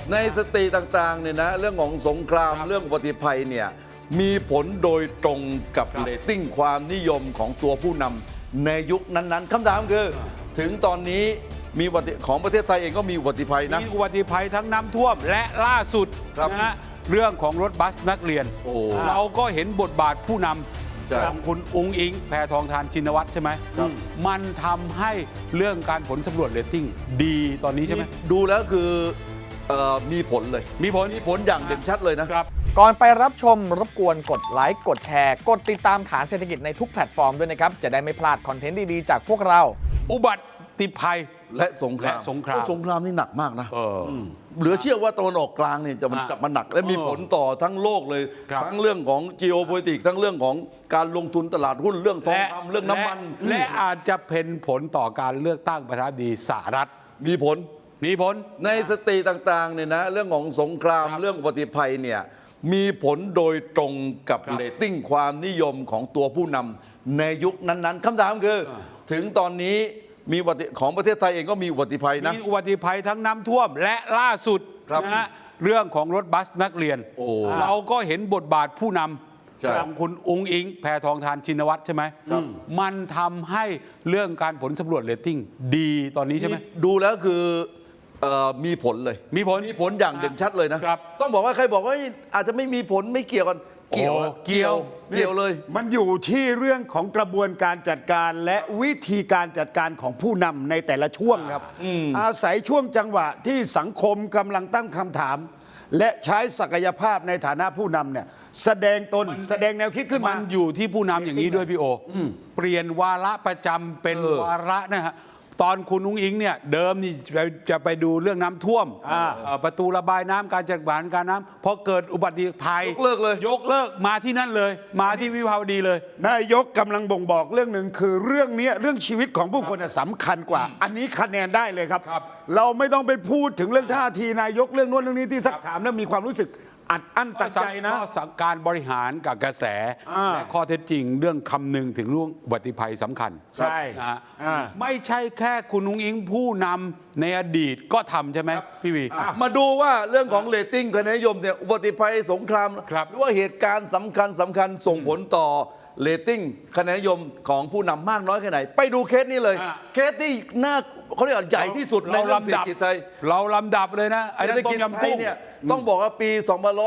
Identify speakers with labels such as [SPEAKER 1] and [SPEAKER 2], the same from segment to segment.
[SPEAKER 1] ในสติต่างๆเนี่ยนะเรื่องของสงครามเรื่องอุบัติภัยเนี่ยมีผลโดยตรงกับเรตติ้งความนิยมของตัวผู้นำในยุคนั้นๆคำถามคือถึงตอนนี้มีของประเทศไทยเองก็มีอุบัติภัยนะ
[SPEAKER 2] มีอุบัติภัยทั้งน้ำท่วมและล่าสุดนะฮะเรื่องของรถบัสนักเรียนเราก็เห็นบทบาทผู้นำอย่างคุณอุ๊งอิงแพทองธารชินวัตรใช่ไหมมันทำให้เรื่องการผลสำรวจเรตติ้งดีตอนนี้ใช่ไหม
[SPEAKER 1] ดูแล้วคือมีผลเลยมีผลอย่างเด่นชัดเลยนะครับ
[SPEAKER 3] ก่อนไปรับชมรบกวนกดไลค์กดแชร์กดติดตามฐานเศรษฐกิจในทุกแพลตฟอร์มด้วยนะครับจะได้ไม่พลาดคอนเทนต์ดีๆจากพวกเรา
[SPEAKER 2] อุบัติภัย
[SPEAKER 1] และสงครามนี่หนักมากนะเหลือเชื่อว่าตะวันออกกลางเนี่ยจะมันกลับมาหนักและมีผลต่อทั้งโลกเลยทั้งเรื่องของ geopolitics ทั้งเรื่องของการลงทุนตลาดหุ้นเรื่องทองคำเรื่องน้ำมัน
[SPEAKER 2] และอาจจะเป็นผลต่อการเลือกตั้งประธานาธิบดีสหรัฐ
[SPEAKER 1] มีผลในสติต่างๆเนี่ยนะเรื่องของสงครามเรื่องอุบัติภัยเนี่ยมีผลโดยตรงกับเรตติ้งความนิยมของตัวผู้นำในยุคนั้นๆคำถามคือถึงตอนนี้มีของประเทศไทยเองก็มีอุบัติภัยนะ
[SPEAKER 2] มีอุบัติภัยทั้งน้ำท่วมและล่าสุดนะฮะเรื่องของรถบัสนักเรียนเราก็เห็นบทบาทผู้นำของคุณอุ๊งอิงแพทองธารชินวัตรใช่ไหมมันทำให้เรื่องการผลสำรวจเรตติ้งดีตอนนี้ใช่ไหม
[SPEAKER 1] ดูแล้วคือมีผลเลยมีผลอย่างเด่นชัดเลยนะต้องบอกว่าใครบอกว่าอาจจะไม่มีผลไม่เกี่ยวกันเกี่ยวเลย
[SPEAKER 4] มันอยู่ที่เรื่องของกระบวนการจัดการและวิธีการจัดการของผู้นำในแต่ละช่วงครับอาศัยช่วงจังหวะที่สังคมกำลังตั้งคำถามและใช้ศักยภาพในฐานะผู้นำเนี่ยแสดงตนแสดงแนวคิดขึ้นมา
[SPEAKER 2] มันอยู่ที่ผู้นำอย่างนี้ด้วยพี่โอเปลี่ยนวาระประจำเป็นวาระนะฮะตอนคุณนุ้งอิงเนี่ยเดิมนี่จะไปดูเรื่องน้ำท่วมประตูระบายน้ำการจัดการการน้ำพอเกิดอุบัติภัย
[SPEAKER 1] ยกเลิก
[SPEAKER 2] มาที่นั่นเลยมาที่วิภาวดีเลย
[SPEAKER 4] นายกกำลังบ่งบอกเรื่องหนึ่งคือเรื่องนี้เรื่องชีวิตของผู้คนสำคัญกว่าอันนี้คะแนนได้เลยครับเราไม่ต้องไปพูดถึงเรื่องท่าทีนายกเรื่องโน้นเรื่องนี้ที่สักถามแล้วมีความรู้สึกอัดอั้นตันใจนะ
[SPEAKER 2] การบริหารกับกระแสและข้อเท็จจริงเรื่องคำนึงถึงเรื่องอุบัติภัยสำคัญ
[SPEAKER 4] ใช่
[SPEAKER 2] นะไม่ใช่แค่คุณนุ้งอิงผู้นำในอดีตก็ทำใช่ไหมพี่วี
[SPEAKER 1] มาดูว่าเรื่องของเรตติ้งคะแนนนิยมเนี่ยอุบัติภัยสงครามหรือว่าเหตุการณ์สำคัญส่งผลต่อเรตติ้งคะแนนนิยมของผู้นำมากน้อยแค่ไหนไปดูเคสนี้เลยเคสที่น่าเขาเรียกใหญ่ที่สุดในเศรษฐกิจไทย
[SPEAKER 2] เราลำดับเลยนะ
[SPEAKER 1] เศรษฐกิจไทยเนี่ยต้องบอกว่าปี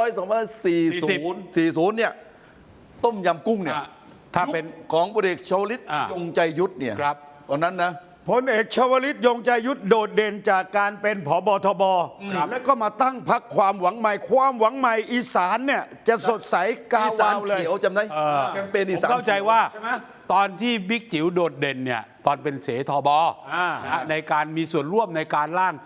[SPEAKER 1] 2440เนี่ยต้มยำกุ้งเนี่ยถ้าเป็นของพลเอกชวลิตยงใจยุทธเนี่ยตอนนั้นนะ
[SPEAKER 4] พลเอกชวลิตยงใจยุทธโดดเด่นจากการเป็นผบทบแล้วก็มาตั้งพรรคความหวังใหม่อีสานเนี่ยจะสดใสกาวาวเลย
[SPEAKER 1] จำได้แคมเปญอีสาน
[SPEAKER 2] เข้าใจว่าตอนที่บิ๊กจิ๋วโดดเด่นเนี่ยตอนเป็นเสทบในการมีส่วนร่วมในการร่าง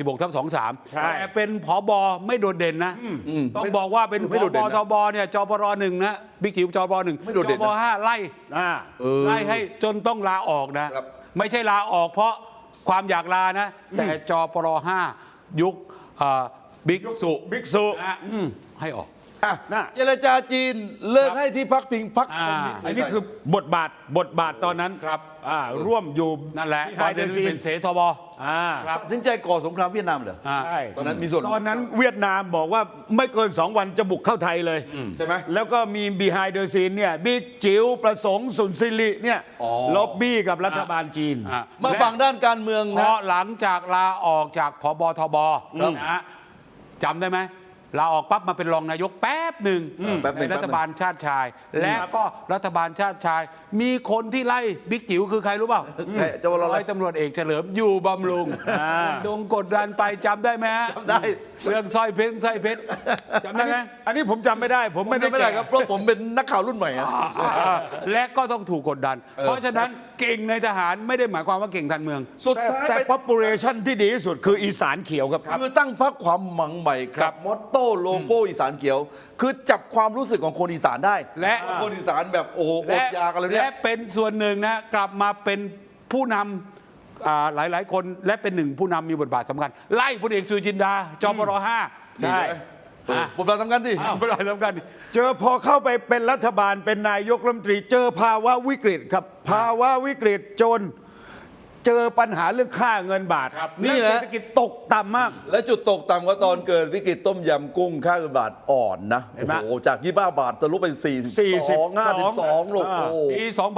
[SPEAKER 2] 66/23แต่เป็นผบไม่โดดเด่นนะต้องบอกว่าเป็นผบทบเนี่ยจปร1นะบิ๊กจิ๋วจปร1จปร5ไล่ให้จนต้องลาออกนะไม่ใช่ลาออกเพราะความอยากลานะแต่จปร5ยุคบิ๊กสุให้ออก
[SPEAKER 1] เจรจาจีนเลิกให้ที่พักพิงพัก
[SPEAKER 4] อันนี้คือบทบาทตอนนั้น
[SPEAKER 2] ครับ
[SPEAKER 4] ร่วมอยู่
[SPEAKER 2] นั่นแหละตอนนั้นเป็นเสทบ
[SPEAKER 1] ครับถึงใจก่อสงครามเวียดนามเหรอ
[SPEAKER 4] ใช่
[SPEAKER 1] ตอนนั้นมีส่วน
[SPEAKER 4] ตอนนั้นเวียดนามบอกว่าไม่เกิน2 วันจะบุกเข้าไทยเลย
[SPEAKER 1] ใช่ไหม
[SPEAKER 4] แล้วก็มี behind the scene เนี่ยบิ๊กจิ๋วประสงค์สุนทริเนี่ยล็อบบี้กับรัฐบาลจีน
[SPEAKER 1] มาฝั่งด้านการเมือง
[SPEAKER 2] นะเพราะหลังจากลาออกจากผบทบนะจำได้ไหมลาออกปั๊บมาเป็นรองนายกแป๊บหนึ่งในรัฐบาลชาติชายและก็รัฐบาลชาติชายมีคนที่ไล่บิ๊กจิ๋วคือใครรู้เปล่าร้อยตำรวจเอกเฉลิมอยู่บำรุงกดดันไปจำได้ไหมฮะ
[SPEAKER 1] จำได้
[SPEAKER 2] เรื่องสร้อยเพชรจำได้ไหม
[SPEAKER 4] อันนี้ผมจำไม่ได้ผมไม่ได้
[SPEAKER 1] ครับเพราะผมเป็นนักข่าวรุ่นใหม่
[SPEAKER 2] และก็ต้องถูกกดดันเพราะฉะนั้นเก่งในทหารไม่ได้หมายความว่าเก่งทางเมือง
[SPEAKER 4] สุดท้ายแต่ population ที่ดีที่สุดคืออีสานเขียวครับ
[SPEAKER 1] คือตั้งพรรคความหวังใหม่ครับมอตโต้โลโก้อีสานเขียวคือจับความรู้สึกของคนอีสานได้
[SPEAKER 2] และ
[SPEAKER 1] คนอีสานแบบโอ้อดอยากอะไรเนี่ย
[SPEAKER 2] และเป็นส่วนหนึ่งนะกลับมาเป็นผู้นำหลายคนและเป็นหนึ่งผู้นำมีบทบาทสำคัญไล่พลเอกสุจินดาจปร5
[SPEAKER 1] ใช่บทบาทสำคัญสิ
[SPEAKER 2] บทบาทสำคัญ
[SPEAKER 4] เจอพอเข้าไปเป็นรัฐบาลเป็นนายกรัฐมนตรีเจอภาวะวิกฤตครับภาวะวิกฤตจนเจอปัญหาเรื่องค่าเงินบาท
[SPEAKER 1] นี่
[SPEAKER 4] และ
[SPEAKER 1] นะ
[SPEAKER 4] เศรษฐกิจตกต่ำมาก
[SPEAKER 1] และจุดตกต่ำก็ตอนเกิดวิกฤตต้มยำกุ้งค่าเงินบาทอ่อนนะ
[SPEAKER 4] เห็นไหม
[SPEAKER 1] โอ้โหจาก25 บาททะลุเป็น42 52ลูกโอ้โห
[SPEAKER 2] ปี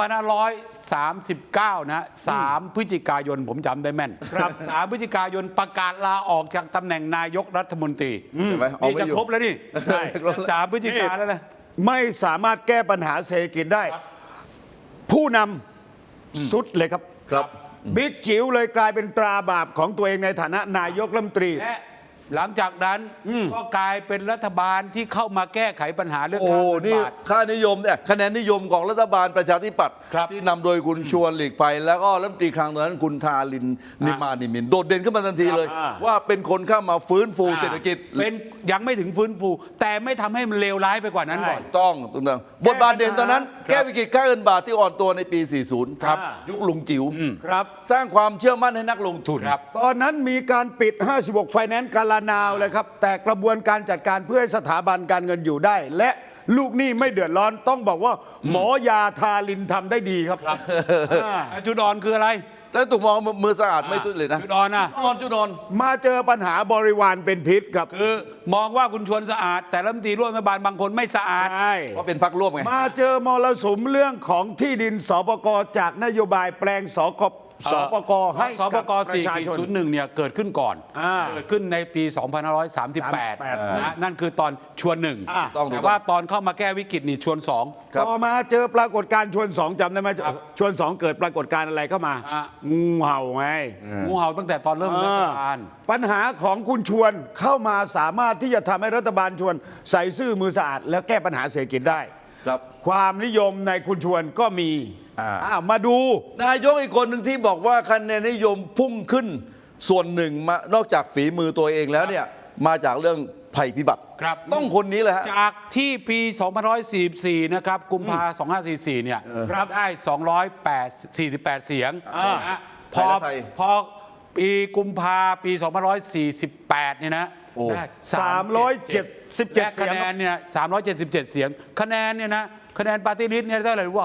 [SPEAKER 2] 2539 นะ 3 พฤศจิกายนผมจำได้แม่น3 พฤศจิกายนประกาศลาออกจากตำแหน่งนายกรัฐมนตรี
[SPEAKER 1] ใช่ไหมเอา
[SPEAKER 2] นี่
[SPEAKER 1] ไม่
[SPEAKER 2] จะ
[SPEAKER 1] อยู่
[SPEAKER 2] ครบแล้วนี่
[SPEAKER 1] ใช่
[SPEAKER 2] 3 พฤศจิกายนแล้วนะ
[SPEAKER 4] ไม่สามารถแก้ปัญหาเศรษฐกิจได้ ผู้นำสุดเลยครับ
[SPEAKER 1] ครับ
[SPEAKER 4] บิ๊กจิ๋วเลยกลายเป็นตราบาปของตัวเองในฐานะนายกรัฐมนตรี
[SPEAKER 2] และหลังจากนั้นก็กลายเป็นรัฐบาลที่เข้ามาแก้ไขปัญหาเรื่อง
[SPEAKER 1] โอ้
[SPEAKER 2] ค่าเงิน
[SPEAKER 1] นี่
[SPEAKER 2] บาท
[SPEAKER 1] ค่านิยมเนี่ยคะแนนนิยมของรัฐบาลประชาธิปัตย์
[SPEAKER 2] ครับ
[SPEAKER 1] ที่นำโดยคุณชวนหลีกภัยแล้วก็รัฐมนตรีคลังตอนนั้นคุณทารินนิมานิมินโดดเด่นขึ้นมาทันทีเลย ว่าเป็นคนเข้ามาฟื้นฟูเศรษฐกิจ
[SPEAKER 2] เป็นยังไม่ถึงฟื้นฟู แต่ไม่ทำให้มันเลวร้ายไปกว่านั้นก่อน
[SPEAKER 1] ต้องบทบาทเด่นตอนนั้น แก้วิกฤตค่าเงินบาทที่อ่อนตัวในปี 40
[SPEAKER 4] ครับ
[SPEAKER 1] ยุคลุงจิ๋ว
[SPEAKER 4] ครับ
[SPEAKER 1] สร้างความเชื่อมั่นให้นักลงทุน
[SPEAKER 4] ตอนนั้นมีการปิด 56 ไฟแนนซ์กาลานาวเลยครับ แต่กระบวนการจัดการเพื่อให้สถาบันการเงินอยู่ได้ และลูกหนี้ไม่เดือดร้อนต้องบอกว่าหมอยาทารินทำได้ดีครับ
[SPEAKER 2] จุดอ่อนคืออะไร
[SPEAKER 1] แล้วถูกมองมือสะอาดไม่ทุจริตนะ
[SPEAKER 2] จุดอ่อนนะ
[SPEAKER 1] จุดนอน
[SPEAKER 4] มาเจอปัญหาบริวารเป็นพิษครับ
[SPEAKER 2] คือมองว่าคุณชวนสะอาด แต่รัฐมนตรีร่วมรัฐบาลบางคนไม่สะอาด
[SPEAKER 4] ใช่
[SPEAKER 1] ว่าเป็นพรรคร่วมไง
[SPEAKER 4] มาเจอมรสุมเรื่องของที่ดินสปกจากนโยบายแปลงสปกให้
[SPEAKER 2] สป
[SPEAKER 4] กับ
[SPEAKER 2] ก
[SPEAKER 4] ประชาชน
[SPEAKER 2] 4.01 เนี่ยเกิดขึ้นก่อน
[SPEAKER 4] อ่า
[SPEAKER 2] เกิดขึ้นในปี 2538นะนั่นคือตอนชวนหนึ่ง
[SPEAKER 1] ต้องถูก
[SPEAKER 2] แต่ว่าตอนเข้ามาแก้วิกฤตนี่ชวนสอง
[SPEAKER 1] ครับ
[SPEAKER 4] ต่อมาเจอปรากฏการณ์ชวนสองจำได้ไหมชวนสองเกิดปรากฏการณ์อะไรเข้ามา
[SPEAKER 2] อ่ะ
[SPEAKER 4] งูเห่าไง
[SPEAKER 2] งูเห่าตั้งแต่ตอนเริ่มรัฐบาล
[SPEAKER 4] ปัญหาของคุณชวนเข้ามาสามารถที่จะทำให้รัฐบาลชวนใส่ซื่อมือสะอาด แล้วแก้ปัญหาเศรษฐกิจได้
[SPEAKER 1] ครับ
[SPEAKER 4] ความนิยมในคุณชวนก็มี มาดู
[SPEAKER 1] นายกอีกคนหนึ่งที่บอกว่าคะแนนนิยมพุ่งขึ้นส่วนหนึ่งมานอกจากฝีมือตัวเองแล้วเนี่ยมาจากเรื่องภัยพิบัติ
[SPEAKER 2] ครับ
[SPEAKER 1] ต้องคนนี้เลยฮะ
[SPEAKER 2] จากที่ปี 2544 นะครับ กุมภา2544 เนี่ย
[SPEAKER 4] ครับ
[SPEAKER 2] ได้ 248 เสียงนะฮะพอ
[SPEAKER 1] ไทย
[SPEAKER 2] พอปีกุมภาปี 2548 เนี่ยนะ
[SPEAKER 1] โอ้
[SPEAKER 2] ได้
[SPEAKER 4] 377
[SPEAKER 2] และคะแนนเนี่ย 377 เสียง คะแนนเนี่ยนะคะแนนปาร์ตี้ลิสต์เนี่ยเท่าไหร่รู้ป่ะ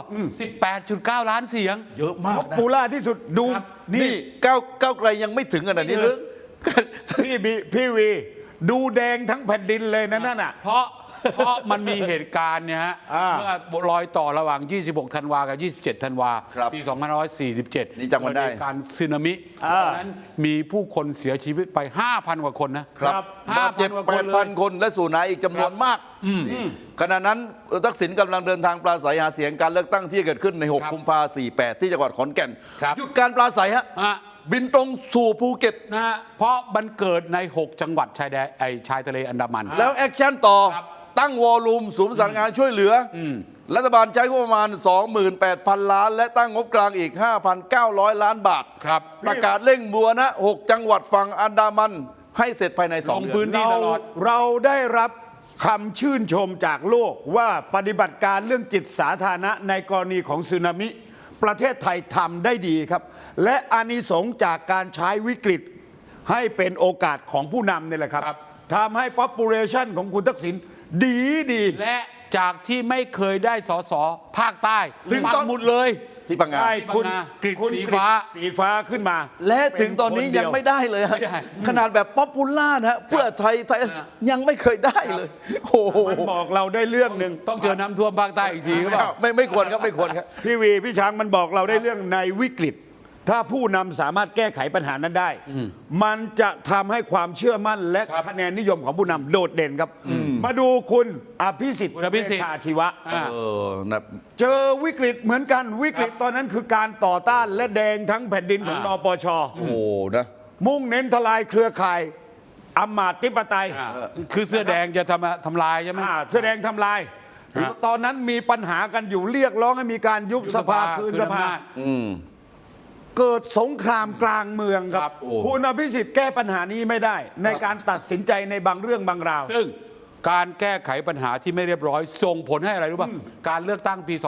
[SPEAKER 2] 18.9 ล้านเสียง
[SPEAKER 1] เยอะมาก
[SPEAKER 4] ป๊อป
[SPEAKER 1] นะ
[SPEAKER 4] ปูล่าที่สุดดู
[SPEAKER 2] ครับ
[SPEAKER 1] นี่ก้าวไกลยังไม่ถึงขนาดนี้หรือ
[SPEAKER 4] พี่วี ดูแดงทั้งแผ่นดินเลยนะนั่นน่ะ
[SPEAKER 2] เพราะมันมีเหตุการณ์เนี่ยฮะ
[SPEAKER 4] อ่า
[SPEAKER 2] เมื่อรอยต่อระหว่าง 26 ธันวากับ 27 ธันวา
[SPEAKER 1] ครับ
[SPEAKER 2] ปี 2547
[SPEAKER 1] นี่จำกันได้
[SPEAKER 2] เกิเหตุการณ์สึนามิตอนนั้นมีผู้คนเสียชีวิตไป 5,000 กว่าคนนะครับ
[SPEAKER 1] บาดเจ็บ
[SPEAKER 2] 5,000 กว่าคนเลย
[SPEAKER 1] 8,000 คนและสูญหายอีกจำนวนมากขณะนั้นทักษิณกำลังเดินทางปราศัยหาเสียงการเลือกตั้งที่เกิดขึ้นใน 6 กุมภาพันธ์ 48 ที่จังหวัดขอนแก่น
[SPEAKER 2] ครับ
[SPEAKER 1] หยุดการปราศัยฮะ
[SPEAKER 2] อ่ะ
[SPEAKER 1] บินตรงสู่ภูเก็ต
[SPEAKER 2] นะฮะเพราะมันเกิดใน 6 จังหวัดชายแดนชายทะเลอันดามัน
[SPEAKER 1] แล้วแอคชั่นต่อ
[SPEAKER 2] ครับ
[SPEAKER 1] ตั้งวอลลุ่มศูนย์ประสานงานช่วยเหลืออรัฐบาลใช้งบประมาณ 28,000 ล้าน และตั้งงบกลางอีก 5,900 ล้านบาท
[SPEAKER 2] ครับ
[SPEAKER 1] ประกาศเร่งบัวนะ 6 จังหวัดฝั่งอันดามัน ให้เสร็จภายใน
[SPEAKER 2] ล
[SPEAKER 1] 2
[SPEAKER 2] ง
[SPEAKER 1] เดื
[SPEAKER 2] พื้
[SPEAKER 1] อน น
[SPEAKER 2] ที่ตลอด
[SPEAKER 4] เราได้รับคำชื่นชมจากโลกว่าปฏิบัติการเรื่องจิตสาธารณะในกรณีของสึนามิ ประเทศไทยทำได้ดีครับ และอานิสงส์จากการใช้วิกฤตให้เป็นโอกาสของผู้นำนี่แหละครับ
[SPEAKER 2] ครับ
[SPEAKER 4] ทำให้ population ของคุณทักษิณดี
[SPEAKER 2] และจากที่ไม่เคยได้สสภาคใต้
[SPEAKER 1] ถึง
[SPEAKER 2] ปั
[SPEAKER 1] ตอก น
[SPEAKER 2] หมุดเลย
[SPEAKER 1] ที่พังงา
[SPEAKER 4] ได้คุณ
[SPEAKER 2] ที่บางนากฤษ
[SPEAKER 4] คุณ
[SPEAKER 2] สีฟ้า
[SPEAKER 4] สีฟ้าขึ้นมา
[SPEAKER 1] และถึงตอนนี้
[SPEAKER 4] เป็คเดี
[SPEAKER 1] ยัง
[SPEAKER 4] ว
[SPEAKER 1] ไม่ได้เลยฮะ
[SPEAKER 2] ไม่ได้
[SPEAKER 1] ขนาดแบบป๊อปปูล่านะฮะเพื่อไทยยังไม่เคยได้เลยโอ้โห
[SPEAKER 4] มันบอกเราได้เรื่องหนึ่ง
[SPEAKER 2] ต้องเจอน้ำท่วมภาคใต้อีกทีก็เปล่า
[SPEAKER 1] ไม่ควรครับไม่ควรครับ
[SPEAKER 4] พี่วีพี่ช้างมันบอกเราได้เรื่องในวิกฤต ถ้าผู้นำสามารถแก้ไขปัญหานั้นได้ มันจะทำให้ความเชื่อมั่นและ
[SPEAKER 2] ครับ
[SPEAKER 4] คะแนนนิยมของผู้นำโดดเด่นครับ มาดูคุณอภิสิทธิ์
[SPEAKER 2] คุณอภิสิทธิ์
[SPEAKER 4] เวชชาชีวะ
[SPEAKER 2] อ่า
[SPEAKER 1] นะ
[SPEAKER 4] เจอวิกฤตเหมือนกันวิกฤตตอนนั้นคือการต่อต้านและแดงทั้งแผ่นดินของนปช
[SPEAKER 1] โอ้โหนะ
[SPEAKER 4] มุ่งเน้นทลายเครือข่ายอำมาตย์ธิปไตย
[SPEAKER 2] คือเสื้อแดงจะทำลายใช่ไหม
[SPEAKER 4] แสดงทำลาย ตอนนั้นมีปัญหากันอยู่เรียกร้องให้มีการยุบสภาคืนสภา เกิดสงครามกลางเมืองค
[SPEAKER 2] ครั
[SPEAKER 4] รับ
[SPEAKER 2] บโอ้
[SPEAKER 4] คุณอภิสิทธิ์แก้ปัญหานี้ไม่ได้ ในการตัดสินใจในบางเรื่องบางราว
[SPEAKER 2] ซึ่งการแก้ไขปัญหาที่ไม่เรียบร้อย ส่งผลให้อะไรรู้ป่ะ การเลือกตั้งปี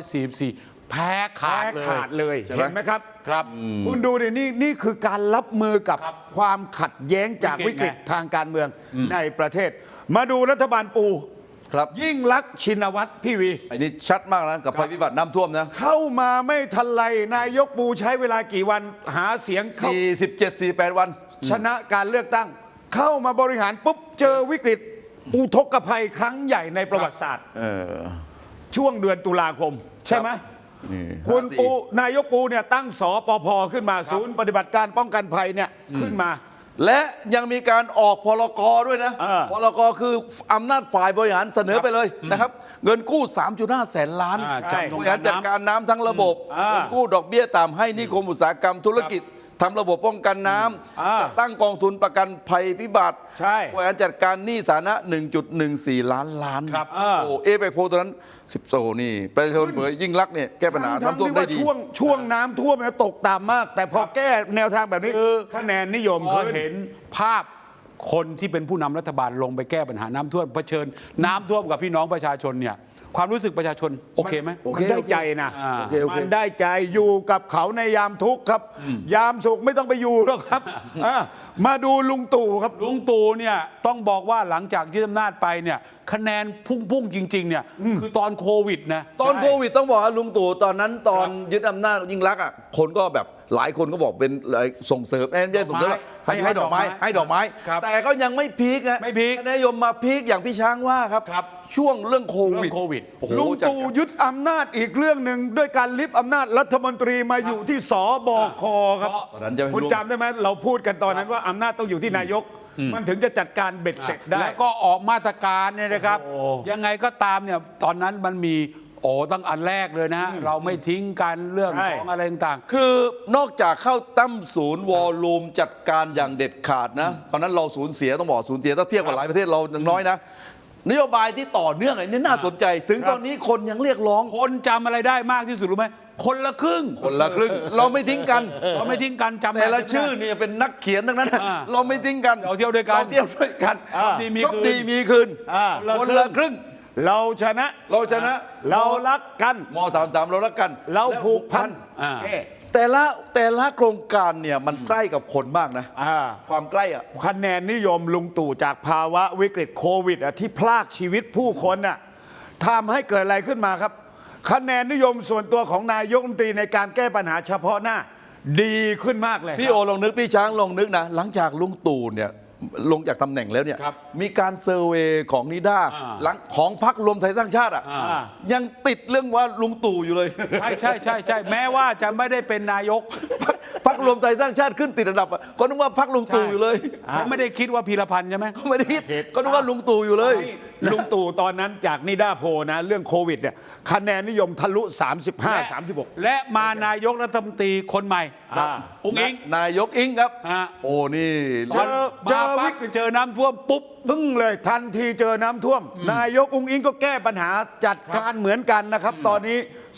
[SPEAKER 2] 2544 แพ้ขาด
[SPEAKER 4] แพ้
[SPEAKER 2] เลย
[SPEAKER 4] ขาดเลย
[SPEAKER 1] ใช่ไหม
[SPEAKER 4] เห็นไหมครับ
[SPEAKER 2] ครับ
[SPEAKER 4] คุณดูดินี่คือการรับมือกับ
[SPEAKER 2] ครับ
[SPEAKER 4] ความขัดแย้งจาก
[SPEAKER 2] วิ
[SPEAKER 4] วิ
[SPEAKER 2] ก
[SPEAKER 4] ก
[SPEAKER 2] ฤ
[SPEAKER 4] ฤ
[SPEAKER 2] ต
[SPEAKER 4] ต
[SPEAKER 2] ไง
[SPEAKER 4] ทางการเมืองในประเทศ มาดูรัฐบาลปู
[SPEAKER 1] ครับ
[SPEAKER 4] ยิ่งลักษณ์ชินวัตรพี่วี
[SPEAKER 1] อันนี้ชัดมากนะกับภัยพิบัติน้ำท่วมนะ
[SPEAKER 4] เข้ามาไม่ทันไรนายกปูใช้เวลากี่วันหาเสียงเข้า
[SPEAKER 1] 47-48 วัน
[SPEAKER 4] ชนะการเลือกตั้ง เข้ามาบริหารปุ๊บเจอวิกฤตอุทกภัยครั้งใหญ่ในประวัติศาสตร์ช่วงเดือนตุลาคม ใช่ไหม
[SPEAKER 1] นี่
[SPEAKER 4] คุณ
[SPEAKER 1] 54
[SPEAKER 4] ปูนายกปูเนี่ยตั้งสปภขึ้นมาศูนย์ปฏิบัติการป้องกันภัยเนี่ยขึ้นมา
[SPEAKER 1] และยังมีการออกพลกด้วยนะ พลกคืออำนาจฝ่ายบริหารเสนอไปเลยนะครับ เงินกู้ 3.5 แสนล้าน
[SPEAKER 2] ใช่
[SPEAKER 1] บริหารจัดการน้ำทั้งระบบ
[SPEAKER 4] อ่า
[SPEAKER 1] เงินกู้ดอกเบี้ยต่ำให้นิคมอุตสาหกรรมธุรกิจทำระบบป้องกันน้ำจะตั้งกองทุนประกันภัยพิบัติ
[SPEAKER 4] ใช่
[SPEAKER 1] บริหารจัดการหนี้สาธารณะ 1.14 ล้าน
[SPEAKER 2] ครับ
[SPEAKER 1] โอ้เอไปโพลตอนนั้น10โซนี่ประชาชนเผยยิ่งรักษณ์เนี่ยแก้ปัญหา
[SPEAKER 4] ทั้ง
[SPEAKER 1] น้ำท่วม
[SPEAKER 4] ที่
[SPEAKER 1] ได้
[SPEAKER 4] ว่า
[SPEAKER 1] ดี
[SPEAKER 4] ช่วงน้ำท่วมเนี่ยตกต่ำมาก แต่พอแก้แนวทางแบบนี้คะแนนนิยม
[SPEAKER 2] พอ
[SPEAKER 4] ขึ้น
[SPEAKER 2] เห็นภาพคนที่เป็นผู้นำรัฐบาลลงไปแก้ปัญหาน้ำท่วมเผชิญน้ำท่วมกับพี่น้องประชาชนเนี่ยความรู้สึกประชาชนโอเคไหม
[SPEAKER 1] โอเค
[SPEAKER 4] มันได้ใจนะ
[SPEAKER 2] โอเค
[SPEAKER 4] มันได้ใจอยู่กับเขาในยามทุกข์ครับ ยามสุขไม่ต้องไปอยู่หรอกครับมาดูลุงตู่ครับ
[SPEAKER 2] ลุงตู่เนี่ยต้องบอกว่าหลังจากยึดอำนาจไปเนี่ยคะแนนพุ่งจริงๆเนี่ยคือตอนโควิดนะ
[SPEAKER 1] ตอนโควิดต้องบอกว่าลุงตู่ตอนนั้นตอนยึดอำนาจยิ่งรักษณ์อ่ะคนก็แบบหลายคนก็บอกเป็นส่งเสริมไม่ใช่ส่งเสริมให้ดอกไม้ให้ดอกไม้
[SPEAKER 2] ครับ
[SPEAKER 1] แต่ก็ยังไม่พีคนะ
[SPEAKER 2] ไม่พีค
[SPEAKER 1] นายมมาพีคอย่างพี่ช้างว่าครับ
[SPEAKER 2] ครับ
[SPEAKER 1] ช่วงเรื่องโควิด
[SPEAKER 2] เรื่องโควิด
[SPEAKER 1] โอ้โห
[SPEAKER 4] ลุง
[SPEAKER 1] จัด
[SPEAKER 4] ตู่
[SPEAKER 1] การ
[SPEAKER 4] ยึดอำนาจอีกเรื่องหนึ่งด้วยการลิฟต์อำนาจรัฐมนตรีมาอยู่ที่สบคครับ
[SPEAKER 1] ตอนนั้นจะไม่
[SPEAKER 4] คุณ
[SPEAKER 1] ร่วม
[SPEAKER 4] จำได้ไหมเราพูดกันตอนนั้นว่าอำนาจต้องอยู่ที่นายก มันถึงจะจัดการเบ็ดเสร็จได้
[SPEAKER 2] แล้วก็ออกมาตรการเนี่ยนะครับ
[SPEAKER 4] โอ้
[SPEAKER 2] ยังไงก็ตามเนี่ยตอนนั้นมันมีตั้งอันแรกเลยนะฮะเราไม่ทิ้งกันเรื่อง
[SPEAKER 4] ใช่
[SPEAKER 2] ของอะไรต่าง
[SPEAKER 1] คือนอกจากเข้าตั้มศูนย์วอลลุ่มจัดการอย่างเด็ดขาดนะตอนนั้นเราสูญเสียต้องบอกสูญเสียถ้าเทียบกับหลายประเทศเราอย่างน้อยนะนโยบายที่ต่อเนื่องอันนี้น่าสนใจ ถึงตอนนี้คนยังเรียกร้อง
[SPEAKER 2] ๆคนจำอะไรได้มากที่สุดรู้ไหมคนละครึ่ง
[SPEAKER 1] คนละครึ่งเราไม่ทิ้งกัน
[SPEAKER 2] เราไม่ทิ้งกันจำ
[SPEAKER 1] แต่ละ
[SPEAKER 2] ได้
[SPEAKER 1] ชื่อเนี่ยเป็นนักเขียนทั้งนั้น
[SPEAKER 2] อ่า
[SPEAKER 1] เราไม่ทิ้งกัน
[SPEAKER 2] เราเที่ยวด้วยกัน
[SPEAKER 1] เราเที่ยวด้วยกัน
[SPEAKER 2] ดีมี
[SPEAKER 1] โชค
[SPEAKER 2] คืน
[SPEAKER 1] ดีมีคืน
[SPEAKER 4] อ่า
[SPEAKER 1] คนละครึ่ง
[SPEAKER 4] เราชนะ
[SPEAKER 1] เราชนะ
[SPEAKER 4] เรารักกัน
[SPEAKER 1] ม33เรารักกัน
[SPEAKER 4] เราผูกพัน
[SPEAKER 2] อ่า
[SPEAKER 4] เอ๊ะ
[SPEAKER 1] แต่ละโครงการเนี่ยมันใกล้กับคนมากนะ ความใกล้อ่ะ
[SPEAKER 4] คะแนนนิยมลุงตู่จากภาวะวิกฤตโควิดที่พลากชีวิตผู้คนทำให้เกิดอะไรขึ้นมาครับ คะแนนนิยมส่วนตัวของนายกรัฐมนตรีในการแก้ปัญหาเฉพาะหน้า ดีขึ้นมากเลย
[SPEAKER 1] พี่โอลองนึกพี่ช้างลองนึกนะหลังจากลุงตู่เนี่ยลงจากตำแหน่งแล้วเนี่ย
[SPEAKER 2] ครับ
[SPEAKER 1] มีการเซอร์เวย์ของนิด้า หลังของพรรครวมไทยสร้างชาติอ่ะ
[SPEAKER 2] อ่า
[SPEAKER 1] ยังติดเรื่องว่าลุงตู่อยู่เลย
[SPEAKER 2] ใช่แม้ว่าจะไม่ได้เป็นนายก
[SPEAKER 1] พรรครวมไทยสร้างชาติขึ้นติดอันดับอะก็นึกว่าพรรคลุงตู่อยู่เลย
[SPEAKER 2] เขาไม่ได้คิดว่าพีรพันธ์ใช่ไหม
[SPEAKER 1] ก็ไม่ได้คิดก็นึกว่าลุงตู่อยู่เลย
[SPEAKER 4] ลุงตู่ตอนนั้นจากนิด้าโพลนะเรื่องโควิดเนี่ยคะแนนนิยมทะลุ 35-36
[SPEAKER 2] และมานายกรัฐมนตรีคนใหม่
[SPEAKER 4] อ่า
[SPEAKER 2] อุ้งอิง
[SPEAKER 1] นายกอิงครับ
[SPEAKER 2] อ่า
[SPEAKER 1] โอ้นี่
[SPEAKER 4] เจอ
[SPEAKER 2] มาปั๊บเจอน้ำท่วมปุ๊บ
[SPEAKER 4] พึ่งเลยทันทีเจอน้ำท่วม นายกอุ้งอิงก็แก้ปัญหาจัดการเหมือนกันนะครับ ตอนนี้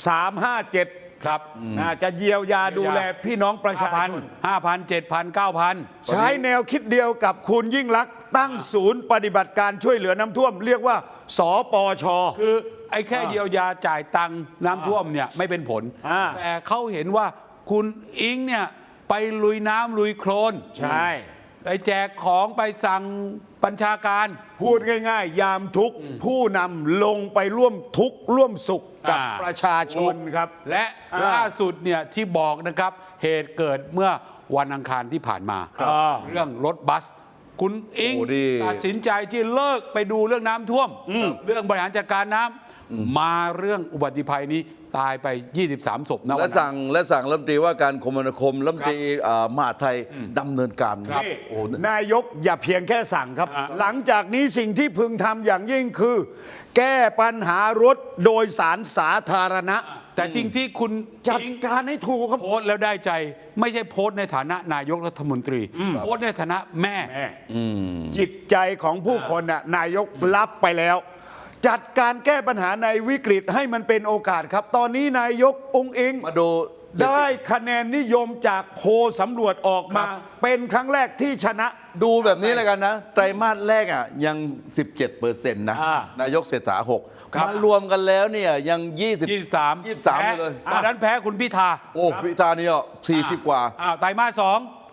[SPEAKER 4] 357
[SPEAKER 2] ครับ
[SPEAKER 4] จะเยียวยาดูแลพี่น้องประชาชน
[SPEAKER 2] 5,000 7,000 9,000
[SPEAKER 4] ใช้แนวคิดเดียวกับคุณยิ่งลักษณ์ตั้งศูนย์ปฏิบัติการช่วยเหลือน้ำท่วม เรียกว่าสปช
[SPEAKER 2] คือไอ้แค่เยียวยาจ่ายตังค์น้ำท่วมเนี่ยไม่เป็นผล
[SPEAKER 4] อ่า
[SPEAKER 2] แต่เขาเห็นว่าคุณอิงเนี่ยไปลุยน้ำลุยโคลน
[SPEAKER 4] ใช่
[SPEAKER 2] ไปแจกของไปสั่งบัญชาการ
[SPEAKER 4] พูดง่ายๆ ยามทุกข์ผู้นำลงไปร่วมทุกข์ร่วมสุขกับ
[SPEAKER 2] อ่า
[SPEAKER 4] ประชาชนครับ
[SPEAKER 2] และ
[SPEAKER 4] อ่า
[SPEAKER 2] ล่าสุดเนี่ยที่บอกนะครับเหตุเกิดเมื่อวันอังคารที่ผ่านมา
[SPEAKER 4] ครับ
[SPEAKER 2] เรื่องรถบัส คุณอิง
[SPEAKER 1] โอ้ดี
[SPEAKER 2] ตัดสินใจที่เลิกไปดูเรื่องน้ำท่วม เรื่องบริหารจัดการน้ำมาเรื่องอุบัติภัยนี้ตายไป 23 ศพนะ
[SPEAKER 1] และ
[SPEAKER 2] วันนั้น
[SPEAKER 1] สั่งรัฐมนตรีว่าการคมนาคมรัฐมนตรีมหาดไทยดำเนินการ
[SPEAKER 2] ครับ
[SPEAKER 4] นี่
[SPEAKER 1] โอ้
[SPEAKER 4] นายกอย่าเพียงแค่สั่งครับ
[SPEAKER 2] อ่า
[SPEAKER 4] หลังจากนี้สิ่งที่พึงทำอย่างยิ่งคือ แก้ปัญหารถโดยสารสาธารณะ
[SPEAKER 2] แต่จริงที่คุณ
[SPEAKER 4] จัด
[SPEAKER 2] อิง
[SPEAKER 4] การให้ถูกครับ
[SPEAKER 2] โพสต์แล้วได้ใจ ไม่ใช่โพสต์ในฐานะนายกรัฐมนตรี โพสต์ในฐานะแม่
[SPEAKER 4] จิตใจของผู้คนน่ะนายกรับไปแล้ว จัดการแก้ปัญหาในวิกฤตให้มันเป็นโอกาสครับ ตอนนี้นายกองค์เอง
[SPEAKER 1] มาดู
[SPEAKER 4] ได้คะแนนนิยมจากโพลสำรวจออกมา เป็นครั้งแรกที่ชนะ
[SPEAKER 1] ดูแบบนี้เลยกันนะ ไตรมาสแรกอ่ะยัง 17%นะ
[SPEAKER 4] อ่าน
[SPEAKER 1] ายกเศรษฐา
[SPEAKER 2] ครับ
[SPEAKER 1] 6มารวมกันแล้วเนี่ยยัง
[SPEAKER 2] 23
[SPEAKER 1] 23เลย
[SPEAKER 2] ตอนนั้นแพ้คุณพิธา
[SPEAKER 1] โอ้พิธาเนี่ย40 กว่า
[SPEAKER 2] ไตรมาส 2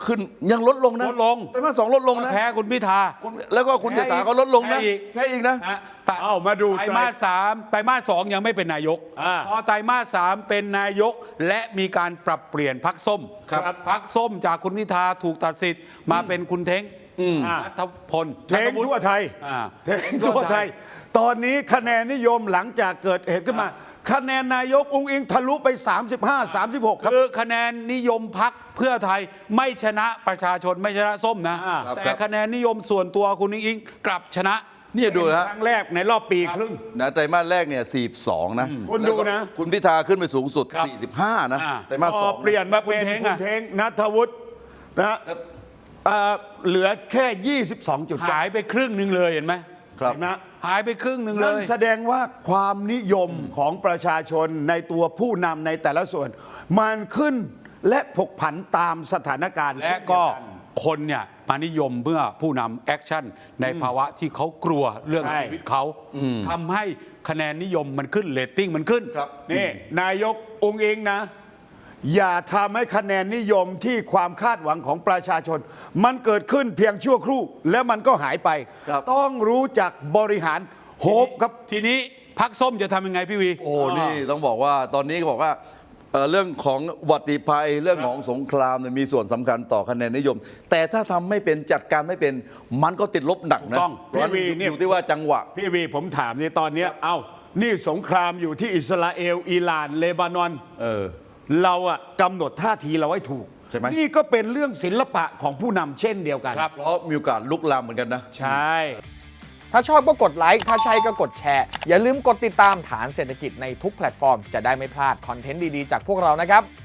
[SPEAKER 1] ขึ้นยังลดลงนะ
[SPEAKER 2] ลดลง
[SPEAKER 1] ไตรมาส 2ลดลงนะ
[SPEAKER 2] แพ้คุณพิธา
[SPEAKER 1] แล้วก็คุณเศรษฐาก็ลดลงนะ
[SPEAKER 2] แพ้อีก
[SPEAKER 1] นะ
[SPEAKER 2] นะ
[SPEAKER 4] เอ้ามาดู
[SPEAKER 2] ไตรมาส 3ไตรมาส 2ยังไม่เป็นนายก
[SPEAKER 4] อ่า
[SPEAKER 2] พอไตรมาส 3เป็นนายกและมีการปรับเปลี่ยนพรรคส้ม
[SPEAKER 1] ครับ
[SPEAKER 2] พรรคส้มจากคุณพิธาถูกตัดสิทธิ์มาเป็นคุณเท้ง
[SPEAKER 4] อ่า
[SPEAKER 2] นัทพล
[SPEAKER 4] เทงทั่วไทย
[SPEAKER 2] อ่า
[SPEAKER 4] เทงทั่วไทย ตอนนี้คะแนนนิยมหลังจากเกิดเหตุขึ้นมา คะแนนนายกอุ้งอิงทะลุไป 35-36 ครับ
[SPEAKER 2] คือคะแนนนิยมพักเพื่อไทยไม่ชนะประชาชนไม่ชนะส้มนะ
[SPEAKER 4] อ่า
[SPEAKER 2] แต่คะแนนนิยมส่วนตัวคุณอิงกลับชนะ
[SPEAKER 1] เนี่ยดูนะ
[SPEAKER 4] ครั้งแรกในรอบปีครึ่ง
[SPEAKER 1] นะไตรมาสแรกเนี่ย42นะ
[SPEAKER 4] คุณดูนะ
[SPEAKER 1] แล้วก็คุณพิธาขึ้นไปสูงสุด
[SPEAKER 2] ครับ
[SPEAKER 1] 45นะ
[SPEAKER 2] อ่า
[SPEAKER 1] ไตรมาส
[SPEAKER 4] พ
[SPEAKER 1] ส
[SPEAKER 4] อ
[SPEAKER 1] อง
[SPEAKER 4] เปลี่ยนมาเป็น
[SPEAKER 2] คุณเท้ง
[SPEAKER 4] คุ
[SPEAKER 2] อะ
[SPEAKER 4] ณเทงนัทวุฒินะเหลือแค่ 22 จุด
[SPEAKER 2] หายไปครึ่งหนึ่งเลยเห็นไหม
[SPEAKER 1] ครับ
[SPEAKER 4] นะ
[SPEAKER 2] หายไปครึ่งหนึ่งเล
[SPEAKER 4] นั่น
[SPEAKER 2] ย
[SPEAKER 4] แสดงว่าความนิยมของประชาชนในตัวผู้นำในแต่ละส่วน มันขึ้นและผกผันตามสถานการณ์
[SPEAKER 2] และก็คนเนี่ยมานิยมเมื่อผู้นำแอคชั่นในภาวะที่เขากลัวเรื่อง
[SPEAKER 4] ใช่
[SPEAKER 2] ชีวิตเขาทำให้คะแนนนิยมมันขึ้นเรตติ้งมันขึ้น
[SPEAKER 1] ครับ
[SPEAKER 4] นี่นายกองค์เองนะ อย่าทำให้คะแนนนิยมที่ความคาดหวังของประชาชน มันเกิดขึ้นเพียงชั่วครู่ แล้วมันก็หายไป
[SPEAKER 1] ครับ
[SPEAKER 4] ต้องรู้จักบริหารโฮปครับ
[SPEAKER 2] ทีนี้พักส้มจะทำยังไงพี่วี
[SPEAKER 1] โอ้นี่ต้องบอกว่าตอนนี้ก็บอกว่าเรื่องของอุบัติภัยเรื่องของสงครามเนี่ยมีส่วนสำคัญต่อคะแนนนิยม แต่ถ้าทำไม่เป็นจัดการไม่เป็นมันก็ติดลบหนักนะ
[SPEAKER 2] ถูกต้อง
[SPEAKER 1] เพราะฉะนั้น
[SPEAKER 4] พี่วีเนี่ย
[SPEAKER 1] อยู่ที่ว่าจังหวะ
[SPEAKER 4] พี่วีผมถามในตอนเนี้ยเอ้านี่สงครามอยู่ที่อิสราเอลอิหร่านเลบานอน เราอะกำหนดท่าทีเราให้ถูก
[SPEAKER 1] ใช่ไหม
[SPEAKER 4] นี่ก็เป็นเรื่องศิลปะของผู้นำเช่นเดียวกัน
[SPEAKER 2] ครับ
[SPEAKER 1] เพราะมีโอกาสลุกลามเหมือนกันนะ
[SPEAKER 4] ใช่
[SPEAKER 3] ถ้าชอบก็กดไลค์ ถ้าใช่ก็กดแชร์ อย่าลืมกดติดตามฐานเศรษฐกิจในทุกแพลตฟอร์ม จะได้ไม่พลาดคอนเทนต์ดี ๆ จากพวกเรานะครับ